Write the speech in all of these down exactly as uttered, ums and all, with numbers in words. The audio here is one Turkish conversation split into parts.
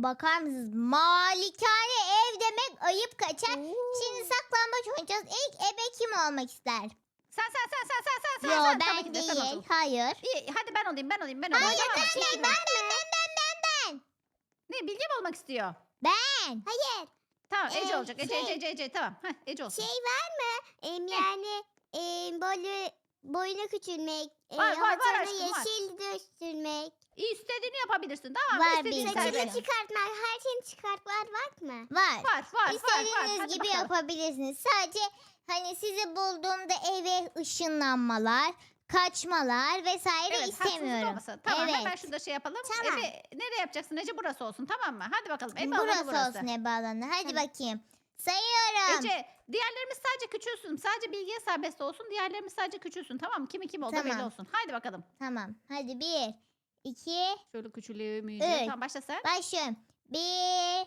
bakar mısınız? Malikane ev demek ayıp kaçar. Şimdi saklambaç oynayacağız. İlk ebe kim olmak ister? Sen sen sen sen sen sen sen. Yo sen. Tabii ben ki de sen değil. olsun. Hayır. İyi hadi ben olayım ben olayım ben olayım. Hayır Tamam mı? ben İlk ben kim ben olsun? ben ben ben ben. Ne Bilge mi olmak istiyor? Ben. Hayır. Tamam Ece Ee, olacak. Ece şey- Ece Ece Ece tamam. Heh, Ece olsun. Şey var mı? Em, yani em, böyle boyunu küçülmek, e, Var, var, var hatanı aşkım, var. yeşil dönüştürmek, İstediğini yapabilirsin tamam mı? Var İstediğin Bilge. saçını serbest. çıkartmak, her şeyini çıkartmak var mı? Var. Var var var var. İstediğiniz Hadi gibi bakalım. yapabilirsiniz. Sadece hani sizi bulduğumda eve ışınlanmalar, kaçmalar vesaire Evet, haksızlık istemiyorum. olmasın. Tamam evet. hemen şurada şey yapalım. Tamam. Ebe, nereye yapacaksın Ece? Burası olsun tamam mı? Hadi bakalım. Ebe burası, alanı burası. olsun ebe alanı. Hadi Tamam. bakayım. Sayıyorum. Ece diğerlerimiz sadece küçülsün. Sadece Bilge'ye serbest olsun. Diğerlerimiz sadece küçülsün. Tamam mı? Kimi kim oldu Tamam. belli olsun. Haydi bakalım. Tamam. Hadi bir, iki, Şöyle küçülüyor müyüyor. Evet. Tamam başla sen. başlıyorum. Bir,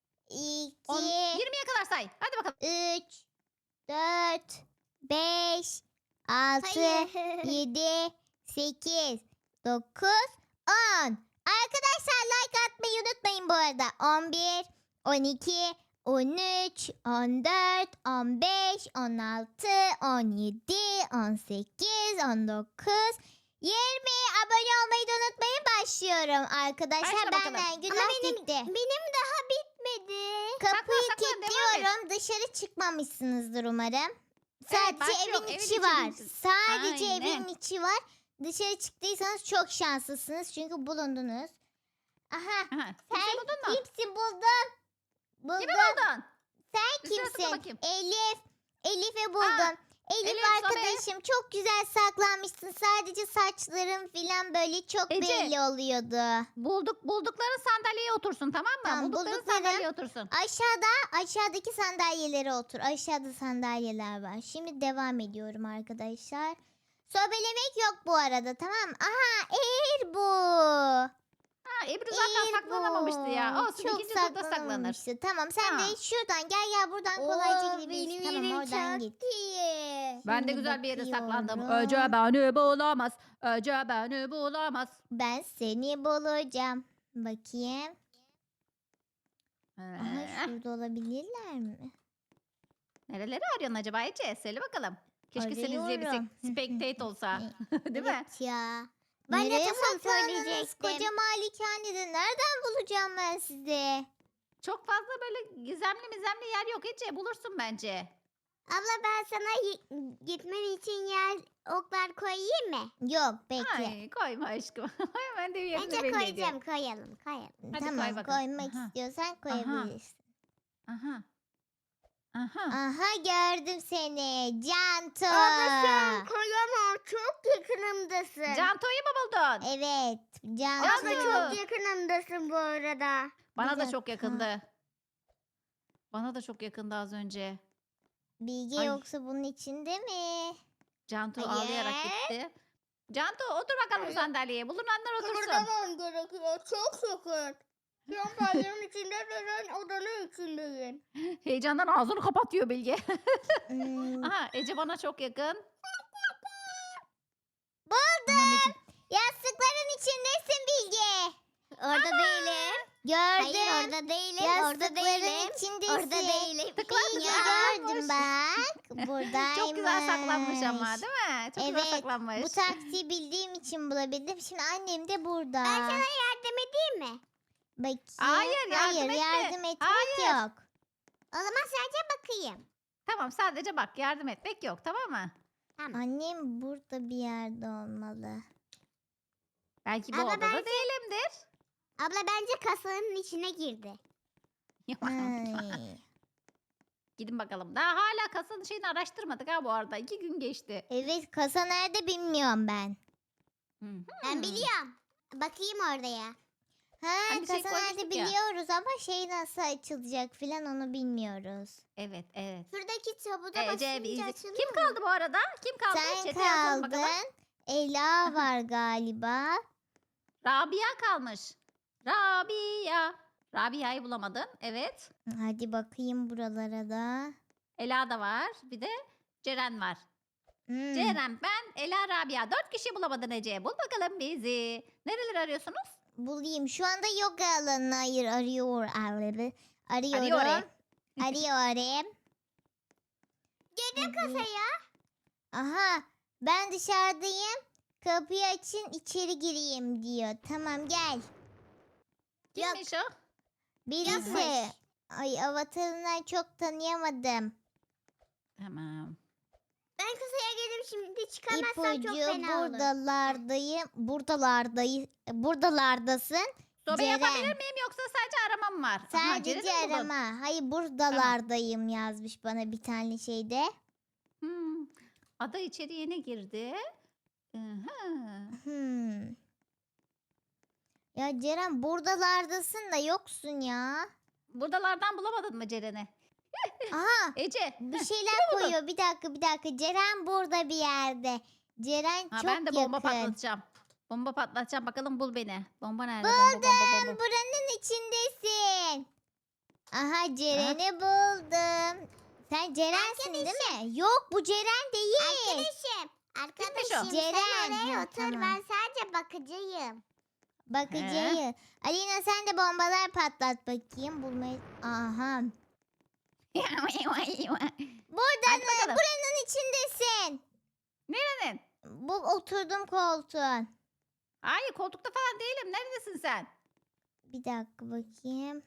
iki, On, yirmiye kadar say. Hadi bakalım. üç, dört, beş, altı, Hayır. yedi, sekiz, dokuz, on. Arkadaşlar like atmayı unutmayın bu arada. on bir, on iki, on üç, on dört, on beş, on altı, on yedi, on sekiz, on dokuz, yirmi. Abone olmayı da unutmayın. Başlıyorum arkadaşlar. Başla bakalım. Benden günah Ama benim, gitti. benim daha bitmedi. Kapıyı saklan, devam et. kilitliyorum. Dışarı çıkmamışsınızdır umarım. Sadece başlıyorum. evin Evin içi içi var. misin? Sadece Aynen. evin içi var. Dışarı çıktıysanız çok şanslısınız. Çünkü bulundunuz. Aha. Aha. Sen Kimse buldun mu? kimsin buldum? Buldum. Kimi buldun? Sen Bir sırasına kimsin? bakayım. Elif. Elif'i buldum. Elif, Elif, arkadaşım çok güzel saklanmışsın. Sadece saçların filan böyle çok Ece. belli oluyordu. Bulduk buldukları sandalyeye otursun tamam mı? Tamam, buldukları buldukları- sandalyeye otursun. Aşağıda aşağıdaki sandalyelere otur. Aşağıda sandalyeler var. Şimdi devam ediyorum arkadaşlar. Sobelemek yok bu arada tamam mı? Aha eğer bu. Ha Ebru zaten Eğer saklanamamıştı ya. bu. Olsun Çok ikinci turda saklanır. saklanamamıştı. Tamam sen Tamam. de şuradan gel gel buradan kolayca Oo, gidebilirsin. benim Tamam yerim oradan çok git. iyi. Ben de Şimdi güzel bir yere saklandım. bakıyorum. Ece beni bulamaz. Ece beni bulamaz. Ben seni bulacağım. Bakayım. Aha Ee, şurada olabilirler mi? Nereleri arıyorsun acaba Ece? Söyle bakalım. Keşke seni izleyebilsek. Arıyorum. Spectate olsa. Değil mi? Evet ya. Ben de Nereye tam onu saklandınız? söyleyecektim. Koca malikanede nereden bulacağım ben sizi? Çok fazla böyle gizemli mizemli yer yok Ece. Bulursun bence. Abla ben sana y- gitmen için yer oklar koyayım mı? Yok bekle. Ay koyma aşkım. Hemen de yerini Bence belli ediyor. koyacağım, koyalım, koyalım. Hadi koy Tamam bakalım. koymak Aha. istiyorsan koyabilirsin. Aha. Aha. Aha gördüm seni. Canto. Abla sen koyamam, çok yakınımdasın. Canto'yu mu buldun? Evet. Abla Canto. Canto. çok yakınımdasın bu arada. Bana Bir da çok dakika. yakındı. Bana da çok yakındı az önce. Bilge Ay. yoksa bunun içinde mi? Canto Hayır. ağlayarak gitti. Canto otur bakalım Hayır. sandalyeye. Bulunanlar otursun. Kıpırdamam gerekiyor, çok yakın. Şu an pencerenin içinde denen odanın içindeyim. Heyecandan ağzını kapatıyor Bilge. Hmm, Aha Ece bana çok yakın. Buldum. Aman Ece. Yastıkların içindesin Bilge. Orada değilim. Gördüm. Hayır orada değilim, orada Yastıkların değilim. içindesin. Orada değilim. Tıkla Bilge tıkla. gördüm bak. Buradaymış. Çok güzel saklanmış ama değil mi? Çok Evet, güzel saklanmış. Bu taktiği bildiğim için bulabildim. Şimdi annem de burada. Ben sana yardım edeyim mi? Bakayım. Hayır, yardım Hayır, etme. yardım etmek Hayır. yok. O zaman sadece bakayım. Tamam sadece bak yardım etmek yok tamam mı? Tamam. Annem burada bir yerde olmalı. Belki bu Ama odada belki- değilimdir. Abla bence kasanın içine girdi. Ay. Gidin bakalım. Daha hala kasanın şeyini araştırmadık ha bu arada. İki gün geçti. Evet, kasa nerede bilmiyorum ben. Hı hı. Ben biliyorum. Bakayım oraya. Ha, Hani bir şey kasa nerede koymuştuk ya. biliyoruz ama şey nasıl açılacak filan onu bilmiyoruz. Evet evet. Şuradaki tabuda Ece basınca bizi. açılıyor. Kim kaldı bu arada? Kim kaldı? Sen Chat'e yazalım kaldın. bakalım. Ela var galiba. Rabia kalmış. Rabia. Rabia'yı bulamadın. Evet. Hadi bakayım buralara da. Ela da var. Bir de Ceren var. Hmm. Ceren, ben, Ela, Rabia. Dört kişi bulamadın Ece. Bul bakalım bizi. Nereleri arıyorsunuz? bulayım. Şu anda yoga alanını ayır arıyor. Arıyorum. Arıyorum. Arıyorum. Arıyorum. Girdim kasaya. Aha, ben dışarıdayım. Kapıyı açın, içeri gireyim diyor. Tamam, gel. Kimmiş o? Birisi. Yapmış. Ay, avatarından çok tanıyamadım. Tamam. Ben kasaya geldim şimdi. Çıkamazsam çok İpucu fena olur. buradalardayım. Buradalardayım. Buradalardasın. Sobe Ceren. yapabilir miyim yoksa sadece aramam var? Aha, Sadece Ceren'i mi buldun? arama. Hayır, buradalardayım yazmış bana bir tane şeyde. Hmm. Ada içeri yeni girdi. Aha. Hmm. Ya Ceren, buradalardasın da yoksun ya. Buradalardan bulamadın mı Ceren'i? Aha, Ece. bir heh, şeyler buldun? koyuyor. Bir dakika, bir dakika. Ceren burada bir yerde. Ceren Ha, çok ben de bomba yakın. patlatacağım. Bomba patlatacağım. Bakalım bul beni. Bomba nerede? Bomba, bomba, Buldum. bomba. Buranın içindesin. Aha, Ceren'i buldum. Sen Ceren'sin değil mi? Yok, bu Ceren değil. Arkadaşım. Arkadaşım Ceren. sen oraya Ha, otur. tamam. Ben sadece bakıcıyım. Bakıcıyı. Alina, sen de bombalar patlat bakayım. Bulmayı... Aha. Buradan, Hadi bakalım. buranın içindesin. Nerenin? Bu oturdum koltuğun. Hayır koltukta falan değilim. Neredesin sen? Bir dakika bakayım.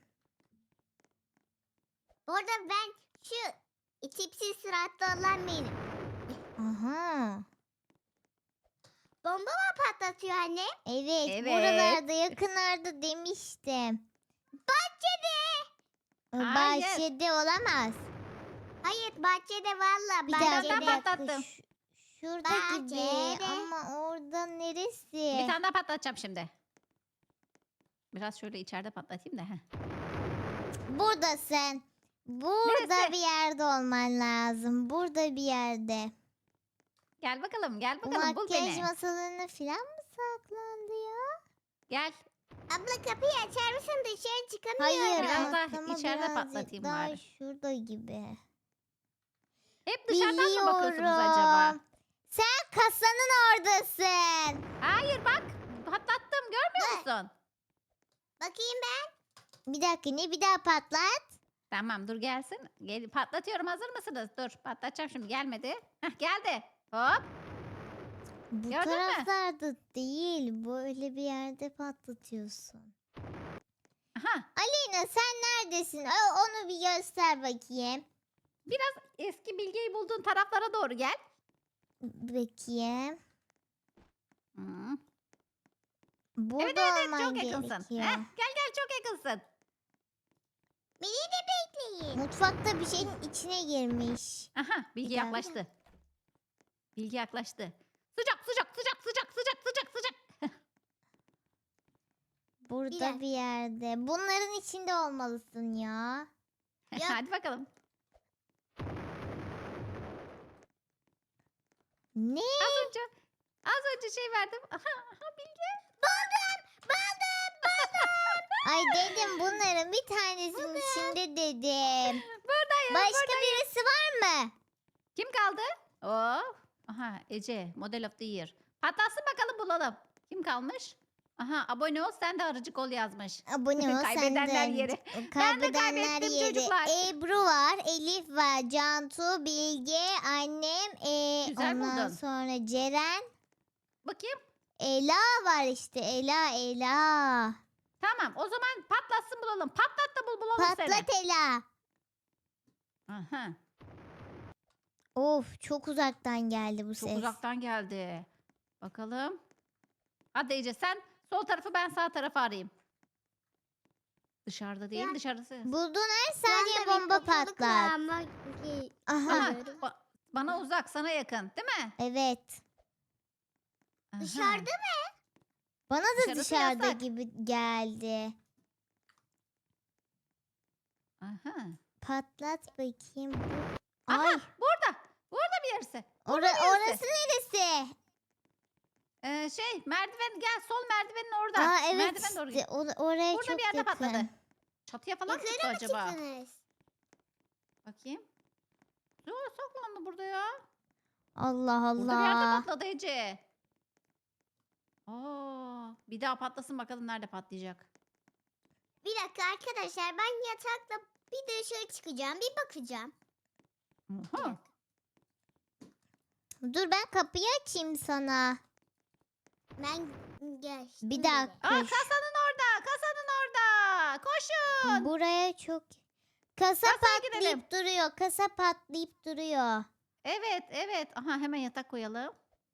Orada ben şu tipsiz suratlı olan benim. Aha. Bomba mı patlatıyor anne? Evet, Evet. buralarda yakınlarda demiştim. Bahçede. O Hayır. bahçede olamaz. Hayır bahçede valla. Bir Ben dakika, ondan bir dakika. patlattım. Ş- şurada gibi Bahçede. ama orada neresi? Bir tane daha patlatacağım şimdi. Biraz şöyle içeride patlatayım da. heh. Buradasın. Burada Neresi? bir yerde olman lazım. Burada bir yerde. Gel bakalım gel Bu bakalım bul makyaj beni. masalarına falan mı saklandı ya? Gel. Abla kapıyı açar mısın? Dışarı çıkamıyorum. Hayır, Biraz daha atlama içeride birazcık patlatayım daha bari. şurada gibi. Hep dışarıdan mı bakıyorsunuz acaba? Biliyorum. Sen kasanın oradasın. Hayır bak. Patlattım görmüyor musun? Bakayım ben. Bir dakika, ne, bir daha patlat. Tamam dur gelsin. Gel, patlatıyorum hazır mısınız? Dur patlatacağım şimdi gelmedi. Heh, geldi. Hop. Bu Gördün mü? taraflarda değil. Böyle bir yerde patlatıyorsun. Aha. Aleyna, sen neredesin? O- Onu bir göster bakayım. Biraz eski bilgiyi bulduğun taraflara doğru gel. Bakayım. Hmm. Burada Evet evet, evet olman çok yakınsın. gerekiyor. Heh, gel gel çok yakınsın. Beni de bekleyin. Mutfakta bir şeyin içine girmiş. Aha bilgi Bir daha, bir yaklaştı. Bilgi yaklaştı. Sıcak sıcak sıcak sıcak sıcak sıcak sıcak. Burada dakika. bir yerde. Bunların içinde olmalısın ya. Yok. Hadi bakalım. Ne? Az önce az önce şey verdim. Aha, aha bilgi. Ay dedim, bunların bir tanesinin içinde dedim. Buradayım. Başka birisi var mı? Kim kaldı? Oh. Aha Ece Model of the Year. Patlatsın bakalım bulalım. Kim kalmış? Aha abone ol sen de arıcık ol yazmış. Abone ol sen Kaybedenler de. yeri. O Ben de Kaybedenler kaybettim yeri. çocuklar. Ebru var, Elif var, Cantu, Bilge, annem, e, Güzel ondan buldun. sonra Ceren, Bakayım. Ela var işte. Ela, Ela. Tamam o zaman patlatsın bulalım. Patlat da bul bulalım seni. Patlat Ela. Aha, Of, çok uzaktan geldi bu çok ses. uzaktan geldi. Bakalım. Hadi Ece sen sol tarafı ben sağ tarafı arayayım. Dışarıda değil Ya. dışarısı. Bulduğun her Şu saniye anda bir bomba kapalılık var patlat. ama ki- Aha, Aha, Görüyorum. ba- bana uzak sana yakın değil mi? evet. Aha. Dışarıda mı? Bana da Dışarısı dışarıda yasak. gibi geldi. Aha. Patlat bakayım. Aha Ay, burada. Burada bir yerisi. ora- neresi? orası neresi? Ee, şey merdiven gel sol merdivenin orada. Aa, evet Merdiven doğru işte, git. o- oraya Burada çok bir yerde yakın. patladı. Çatıya falan mı çıktı Yukarı mı acaba? çıktınız? Bakayım. Yo saklandı burada ya. Allah Burada bir yerde Allah. patladı Ece. Aa, bir daha patlasın bakalım nerede patlayacak. Bir dakika arkadaşlar, ben yatakla bir dışarı çıkacağım, bir bakacağım. Bir Oha. dakika. Dur ben kapıyı açayım sana. Ben geçtim. Bir bile. dakika. Aa, Koş. kasanın orada, kasanın orada. Koşun. Buraya çok... Kasa Kasaya gidelim. patlayıp duruyor. Kasa patlayıp duruyor. Evet, evet. Aha, hemen yatak koyalım.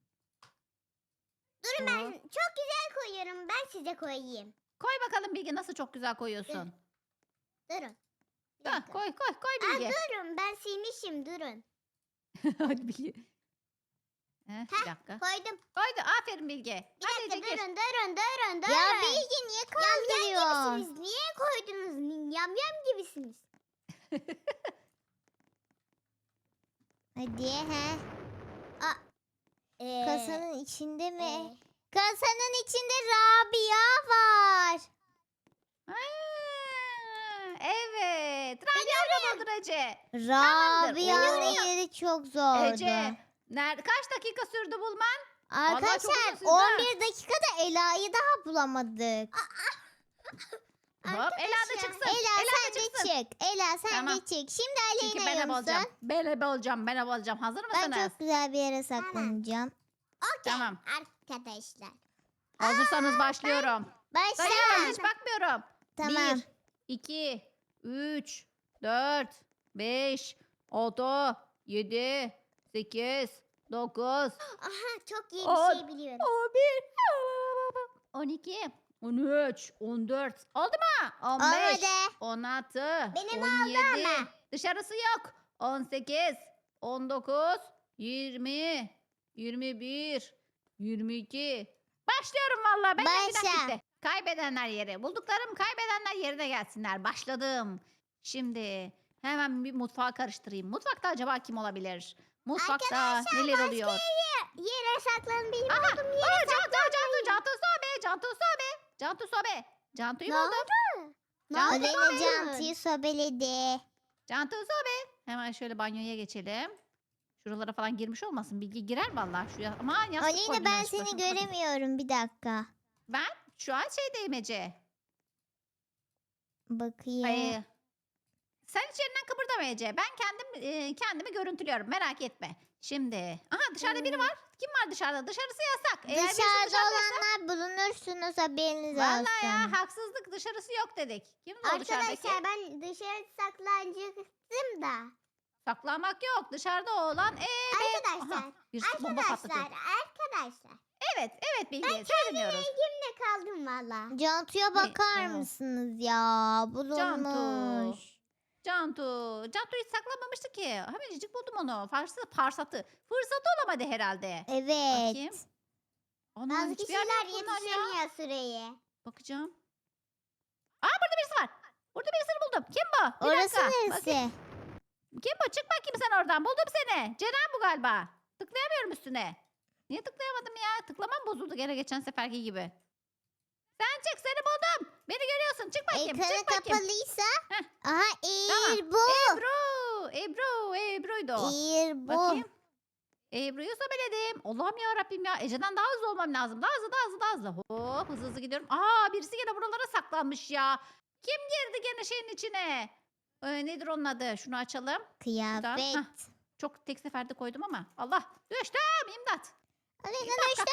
Durun, Hop. ben çok güzel koyuyorum. Ben size koyayım. Koy bakalım Bilge, nasıl çok güzel koyuyorsun. Durun. Bir Ha, dakika. koy koy koy Aa, Bilge. durun, ben silmişim, durun. Hadi Bilge. Heh, bir dakika. Koydum. Koydu. Aferin Bilge. Bir Hadi dakika, Ece gir. durun, durun, durun, durun. Ya Bilge niye kaldırıyor? Yam gibisiniz. Niye koydunuz? Yam yam gibisiniz. Hadi he. Ee, Kasanın içinde mi? e, Kasanın içinde Rabia var. Aa, evet. Rabia orada Ece. Rabia'nın yeri çok zordu. Ece. Nerede? Kaç dakika sürdü bulman? Vallahi çok Arkadaşlar uzun sürdü ha. on bir dakikada Ela'yı daha bulamadık. Hop, Ela da Arkadaşlar, çıksın. Ela, Ela sen da de çıksın. çık. Ela sen Tamam. de çık. Şimdi Çünkü Aleyna ben ebe olacağım. musun? Ben ebe olacağım. Ben ebe olacağım. Hazır Ben mısınız? çok güzel bir yere saklanacağım. okey Tamam. arkadaşlar. Hazırsanız başlıyorum. Başla. Sayıyorum, hiç bakmıyorum. Tamam. bir, iki, üç, dört, beş, altı, yedi, sekiz, dokuz, Aha, çok iyi On, bir şey biliyorum. on bir, on iki, on üç, on dört. Oldu mu? on beş, Olmadı. on altı, Benim on yedi. ama. Dışarısı yok. on sekiz, on dokuz, yirmi, yirmi bir, yirmi iki. Başlıyorum vallahi. Ben de bir Başla. dakika. Kaybedenler yeri. Bulduklarım kaybedenler yerine gelsinler. Başladım. Şimdi hemen bir mutfağı karıştırayım. Mutfakta acaba kim olabilir? Mutfakta neler oluyor? Yere saklanın, benim Aha! olduğum Aa, yere Cantu, Cantu, Cantu Sobe, Cantu Sobe, Cantu Sobe. Cantu'yu Ne buldum. Ne Cantu oldu? Aleyna Sobe. Cantu'yu sobeledi. Cantu Sobe. Hemen şöyle banyoya geçelim. Şuralara falan girmiş olmasın. Bilgi girer vallahi şuraya. Aman yastık Aleyna koydum ben yanlışlıkla. seni Şuna bakayım. göremiyorum. Bir dakika. Ben şu an şeydeyim Ece. Bakayım. Ay, sen hiç yerinden kıpırdama Ece. Ben kendim e, kendimi görüntülüyorum. Merak etme. Şimdi. Aha, dışarıda biri var. Kim var dışarıda? Dışarısı yasak. Eğer birisi Dışarıda dışarıdaysa- olanlar bulunursunuz, haberiniz Vallahi olsun. ya, haksızlık, dışarısı yok dedik. Kim o dışarıdaki? Arkadaşlar, ben dışarı saklanacaktım da. Saklanmak yok. Dışarıda olan ebe. Arkadaşlar, Aha, birisi bomba patlatıyor. Arkadaşlar, arkadaşlar. Evet, evet Bilge. Seni dinliyoruz. Elimde kaldım valla. Cantu'ya bakar Aa. mısınız ya? Bulunmuş. Cantu. Cantu hiç saklanmamıştı ki. Hemencik buldum onu. Fırsatı, farsatı. Fırsatı olamadı herhalde. Evet. Bakayım. Ana, Bazı hiçbir yer kişiler yok bunlar ya. yetişemiyor süreye. Bakacağım. Aa, burada birisi var. Burada birisini buldum. Kim bu? Bir Orası dakika. neresi? Bakayım. Kim bu? Çık bakayım sen oradan. Buldum seni. Ceren bu galiba. Tıklayamıyorum üstüne. Niye tıklayamadım ya? Tıklamam bozuldu gene geçen seferki gibi. Sen çık, seni buldum. Beni görüyorsun. Çık bakayım. Ekranı çık bakayım. kapalıysa. Heh. Aha Tamam. İr bu. Ebru. Ebru. Ebru'ydu o. İr bu. Bakayım. Ebru'yu sobeledim. Allah'ım ya Rabbim ya. Ece'den daha hızlı olmam lazım. Daha hızlı, daha hızlı, daha hızlı. Hop, hızlı hızlı gidiyorum. Aa, birisi gene buralara saklanmış ya. Kim girdi gene şeyin içine? Ee, nedir onun adı? Şunu açalım. Kıyafet. Hah. Çok tek seferde koydum ama. Allah. Düştüm. İmdat. Aleyna İmdat. düştü.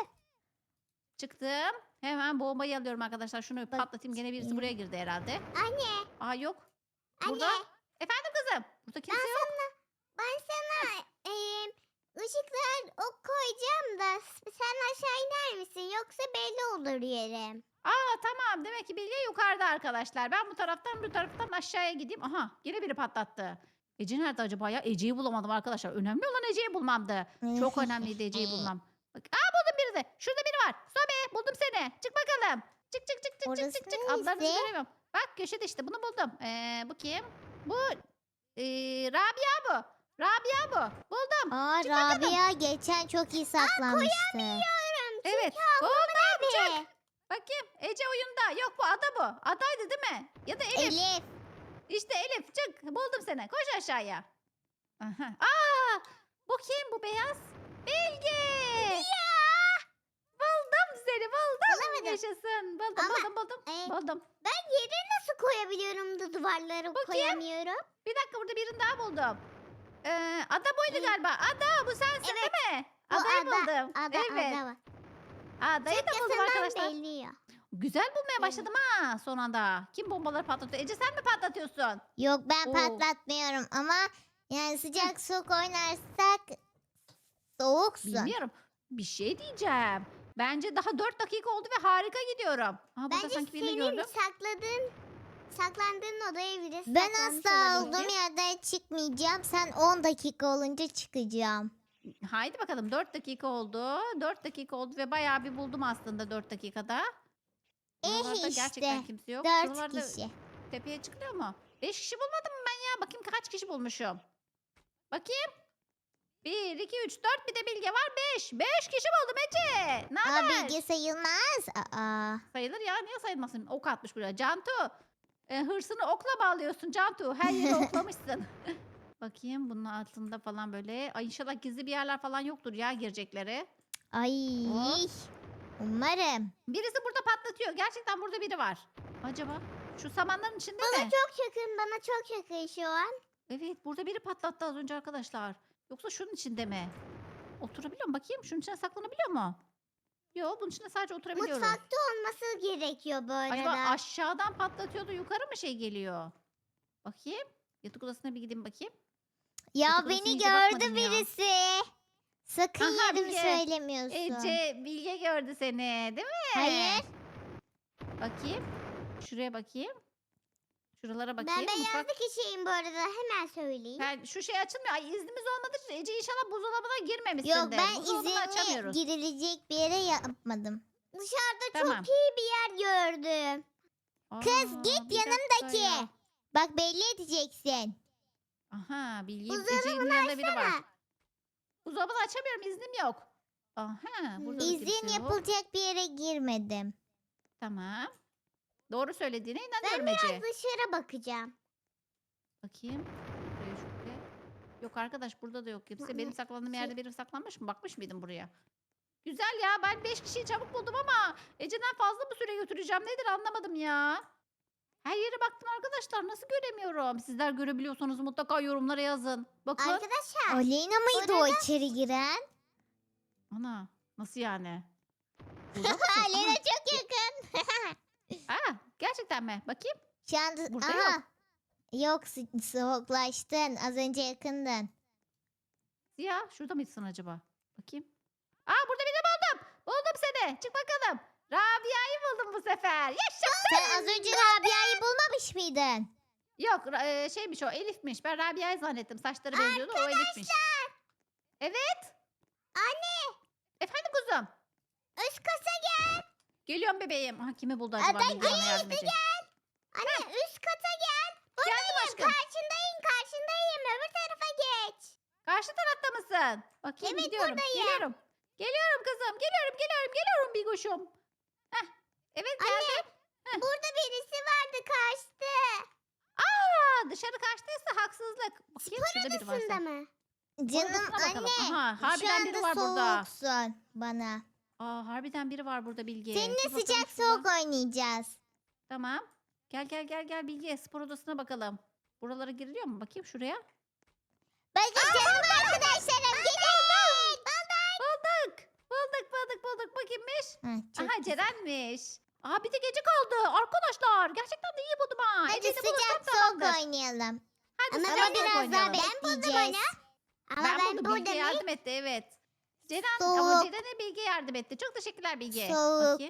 Çıktım. Hemen bombayı alıyorum arkadaşlar. Şunu Bak- patlatayım. Gene birisi buraya girdi herhalde. Anne, Aa, yok. anne. Burada. Efendim kızım. Burada kimse Ben yok. sana, ben sana eee ışıklar ok koyacağım da s- sen aşağı iner misin? Yoksa belli olur yerim. Aa, tamam. Demek ki Bilge yukarıda arkadaşlar. Ben bu taraftan bu taraftan aşağıya gideyim. Aha, yine biri patlattı. Ece nerede acaba ya? Ece'yi bulamadım arkadaşlar. Önemli olan Ece'yi bulmamdı. Çok önemliydi Ece'yi bulmam. Bak, aa, buldum birini. Şurada biri var. Sobe, buldum seni. Çık bakalım. Çık çık çık çık Orası çık çık çık. Adlarınızı neresi? göremiyorum. Bak köşede işte, bunu buldum. Ee, bu kim? Bu ee, Rabia bu. Rabia bu. Buldum. Aa Çık bakalım. Rabia geçen çok iyi saklanmıştı. Evet. Buldum. Hadi. Bakayım. Ece oyunda. Yok, bu Ada bu. Adaydı değil mi? Ya da Elif. Elif. İşte Elif, çık. Buldum seni. Koş aşağıya. Aha. Aa, bu kim bu beyaz? Bilge. Ya. Buldum buldum. Bulamadım. Yaşasın. Buldum Ama, buldum buldum. e, Buldum. Ben yere nasıl koyabiliyorum da duvarlara Bakayım. koyamıyorum? Bir dakika burada birini daha buldum. Ee, ada buydu Ee, galiba. Ada bu sensin evet. değil mi? Bu Adayı ada, buldum. Ada, evet. ada var. Adayı da buldum Yakasından arkadaşlar. belli ya. Güzel bulmaya başladım ha son anda. Kim bombaları patlatıyor? Ece sen mi patlatıyorsun? Yok ben Oo. patlatmıyorum ama yani sıcak soğuk oynarsak soğuksun. Bilmiyorum. Bir şey diyeceğim. Bence daha dört dakika oldu ve harika gidiyorum. Aa, burada Bence sanki birini senin gördüm. sakladığın saklandığın odaya bile Ben saklanmış asla olabilir. olduğum yerden çıkmayacağım. Sen on dakika olunca çıkacağım. Haydi bakalım dört dakika oldu. dört dakika oldu ve bayağı bir buldum aslında dört dakikada. Eh Buralarda gerçekten işte, kimse yok. Dört Şuralarda kişi. tepeye çıkılıyor mu? beş kişi bulmadım mı ben ya? Bakayım kaç kişi bulmuşum. Bakayım. bir, iki, üç, dört bir de Bilge var. beş. beş kişi buldum Ece. Ne Aa, haber? bilgi sayılmaz. Aa. Sayılır ya. Niye sayılmasın? Ok atmış buraya. Cantu. e, hırsını okla bağlıyorsun Cantu. Her yeri oklamışsın. Bakayım bunun altında falan böyle. Ay inşallah gizli bir yerler falan yoktur ya girecekleri. Ay. Hop. Umarım. Birisi burada patlatıyor. Gerçekten burada biri var. Acaba şu samanların içinde Bana mi? çok yakın, bana çok yakın şu an. Evet burada biri patlattı az önce arkadaşlar. Yoksa şunun içinde mi? Oturabiliyor mu? Bakayım şunun içine saklanabiliyor mu? Yok bunun içine sadece oturabiliyorum. Mutfakta olması gerekiyor bu arada. Acaba aşağıdan patlatıyordu yukarı mı şey geliyor? Bakayım. Yatak odasına bir gideyim bakayım. Ya Yatak odasına beni iyice gördü bakmadım ya. birisi. Sakın Aha, yerimi Bilge. söylemiyorsun. Ece Bilge gördü seni değil mi? Hayır. Bakayım. Şuraya bakayım. Şuralara bakayım. Ben Mutfak- beyazlı kişiyim bu arada, hemen söyleyeyim. Ben, şu şey açılmıyor. Ay iznimiz olmadığı için Ece inşallah buzdolabına girmemişsindir. Yok ben Buzdolabını izinli açamıyoruz. girilecek bir yere yapmadım. Dışarıda Tamam. çok iyi bir yer gördüm. Kız, Aa, git bir dakika yanımdaki. ya. Bak belli edeceksin. Aha Bilge Buzdolabını Ece'nin yanında biri var. açsana. Buzdolabını açamıyorum iznim yok. Aha burada da kimse İzin yok. yapılacak bir yere girmedim. Tamam. Doğru söylediğine Ben inanıyorum biraz Ece. dışarı bakacağım. Bakayım. Şuraya şuraya. Yok arkadaş burada da yok kimse. Benim saklandığım Şey- yerde biri saklanmış mı? Bakmış mıydın buraya? Güzel ya ben beş kişiyi çabuk buldum ama Ece'den fazla mı süre götüreceğim nedir anlamadım ya. Her yere baktım arkadaşlar nasıl göremiyorum. Sizler görebiliyorsanız mutlaka yorumlara yazın. Bakın. Arkadaşlar Aleyna mıydı o Orada- içeri giren? Ana nasıl yani? Burada mısın? Aleyna çok yakın. Aa, aa, gerçekten mi? Bakayım. Şu anda Burada aha. yok. Yok so- soğuklaştın. Az önce yakındın. Ya şurada mıydın acaba? Bakayım. Aa burada birini buldum. Buldum seni. Çık bakalım. Rabia'yı buldum bu sefer. Yaşasın. Sen az önce Rabia'yı bulmamış mıydın? Yok ra- e, şeymiş o Elif'miş. Ben Rabia'yı zannettim. Saçları benziyordu o Elif'miş. Evet. anne Efendim kuzum. üst kata gel. Geliyorum bebeğim. Aha, kimi buldu acaba? ben Bilge bana yardım edecek. Anne üst kata gel. Geldim aşkım. Karşındayım karşındayım öbür tarafa geç. Karşı tarafta mısın? Bakayım Evet, gidiyorum. buradayım. Geliyorum. Geliyorum kızım. Geliyorum geliyorum geliyorum Bigoş'um. Heh. Evet geldim. Burada birisi vardı karşıda. Aa, dışarı kaçtıysa haksızlık. Bakayım şurada biri Odasında varsa. mı? Canım Odasına bakalım. anne. Aha, Şu harbiden biri anda var burada. soğuksun bana. Aa, harbiden biri var burada Bilge. Seninle Bir bakalım sıcak şuradan. soğuk oynayacağız. Tamam. Gel gel gel gel Bilge spor odasına bakalım. Buralara giriliyor mu? Bakayım şuraya. Bakın canım arkadaşlarım gelin. Bulduk. Bulduk bulduk bulduk. Bakayımmış. Ha, çok Aha güzel. Ceren'miş. Aa bir de gece kaldı. Arkadaşlar gerçekten de iyi buldum ha. Hadi Ece'yi de bulursam sıcak soğuk tamamdır. oynayalım. Hadi Ama sıcak Ama soğuk biraz daha oynayalım. bekleyeceğiz. Ama Ben, ben, buldum. burada Bilge ne? yardım etti evet. Ceren ama Soğuk. Ceren'e Bilge yardım etti. Çok teşekkürler Bilge. Soğuk. Bakayım.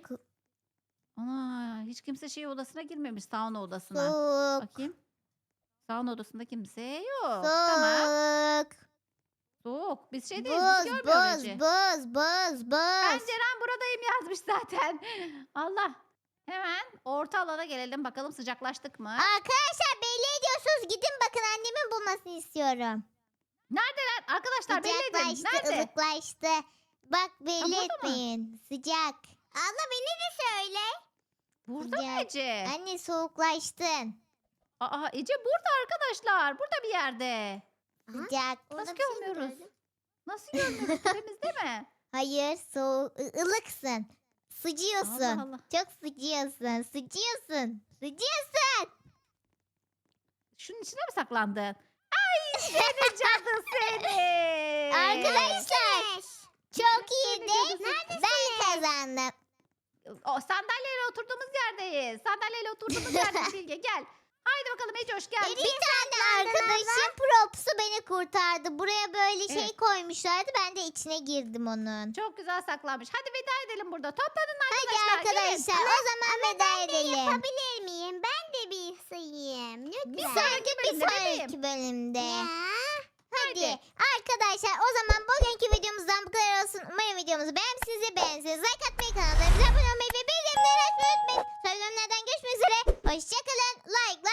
Ana hiç kimse şey odasına girmemiş sauna odasına. Soğuk. Bakayım. Sauna odasında kimse yok. Tamam. Soğuk. Soğuk. Biz şey değiliz. Buz, Biz görmüyoruz buz, Ece. buz, buz, Ben buz. Ceren buradayım yazmış zaten. Allah. Hemen orta alana gelelim. Bakalım sıcaklaştık mı? Arkadaşlar belli ediyorsunuz. Gidin bakın annemin bulmasını istiyorum. Neredeler? Arkadaşlar belli edin. Sıcaklaştı, Nerede? ılıklaştı. Bak belli burada mı? etmeyin. Sıcak. Abla beni de söyle. Burada mı Sıcak. Ece? Anne soğuklaştın. Aa Ece burada arkadaşlar. Burada bir yerde. Aha. Sıcak. Orada Nasıl bir şey mi görmüyoruz? gördüm? Nasıl görmüyoruz? Tepemizde mi? Hayır soğuk. ı- ılıksın. Sıcıyorsun. Allah Allah. Çok sıcıyorsun. Sıcıyorsun. Sıcıyorsun. Şunun içine mi saklandın? Ay seni cadı seni. Arkadaşlar Beş. çok Seni iyiydi. cadı seni. Ben kazandım. O sandalyeyle oturduğumuz yerdeyiz. Sandalyeyle oturduğumuz yerdeyiz Bilge gel. Haydi bakalım Ece hoş geldin. Bir tane arkadaşım propsu beni kurtardı. Buraya böyle şey Evet. koymuşlardı. Ben de içine girdim onun. Çok güzel saklanmış. Hadi veda edelim burada. Toplanın Hadi arkadaşlar. gelin. arkadaşlar o zaman veda edelim. Yapabilir miyim? Ben de bir sayayım. Lütfen. Bir Sanki sonraki bir bölümde bebeğim. sonraki bölümde. Ya. Hadi. Hadi. Arkadaşlar o zaman bugünkü videomuzdan bu kadar olsun. Umarım videomuzu beğenmişsinizdir. Beğenseniz like atmayı, kanallarımıza abone olmayı ve bildirimleri açmayı unutmayın. Sonraki bölümlerden görüşmek üzere. Hoşçakalın. Like